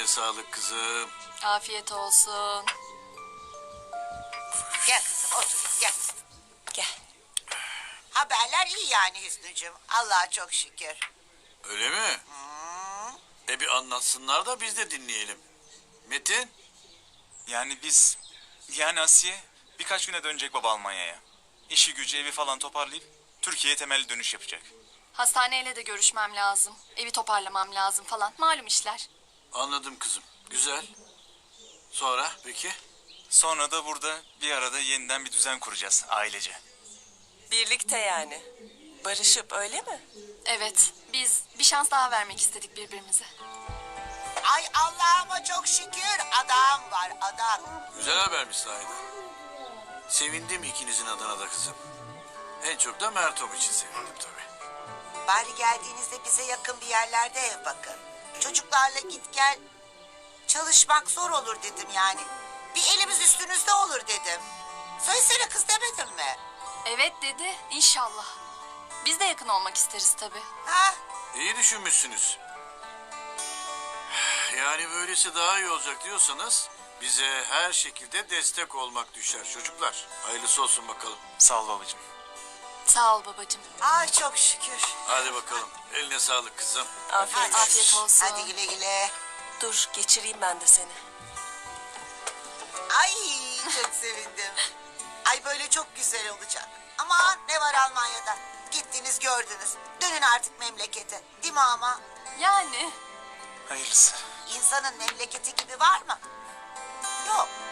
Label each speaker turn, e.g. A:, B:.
A: Eline sağlık kızım.
B: Afiyet olsun.
C: Gel kızım otur gel.
B: Gel.
C: Haberler iyi yani Hüsnü'cüğüm. Allah'a çok şükür.
A: Öyle mi? Bir anlatsınlar da biz de dinleyelim. Metin?
D: Yani Asiye birkaç güne dönecek baba Almanya'ya. İşi gücü evi falan toparlayıp Türkiye'ye temelli dönüş yapacak.
B: Hastaneyle de görüşmem lazım. Evi toparlamam lazım falan. Malum işler.
A: Anladım kızım. Güzel. Sonra peki?
D: Sonra da burada bir arada yeniden bir düzen kuracağız ailece.
E: Birlikte yani. Barışıp öyle mi?
B: Evet, biz bir şans daha vermek istedik birbirimize.
C: Ay Allah'ıma çok şükür adam var adam.
A: Güzel habermiş sahiden. Sevindim ikinizin adına da kızım. En çok da Mertom için sevindim tabii.
C: Bari geldiğinizde bize yakın bir yerlerde ev bakın. Çocuklarla git gel. Çalışmak zor olur dedim yani. Bir elimiz üstünüzde olur dedim. Söylesene kız demedim mi?
B: Evet dedi, inşallah. Biz de yakın olmak isteriz tabii.
C: Ha?
A: İyi düşünmüşsünüz. Yani böylesi daha iyi olacak diyorsanız bize her şekilde destek olmak düşer çocuklar. Hayırlısı olsun bakalım.
D: Sağ ol babacığım.
B: Sağ ol babacığım.
C: Ay çok şükür.
A: Hadi bakalım. Eline sağlık kızım.
E: Afiyet
B: Afiyet olsun.
C: Hadi güle güle.
E: Dur geçireyim ben de seni.
C: Ay çok sevindim. Ay böyle çok güzel olacak. Aman ne var Almanya'da? Gittiniz gördünüz. Dönün artık memlekete. Değil mi ama?
B: Yani
D: Hayırlısı.
C: İnsanın memleketi gibi var mı? Yok.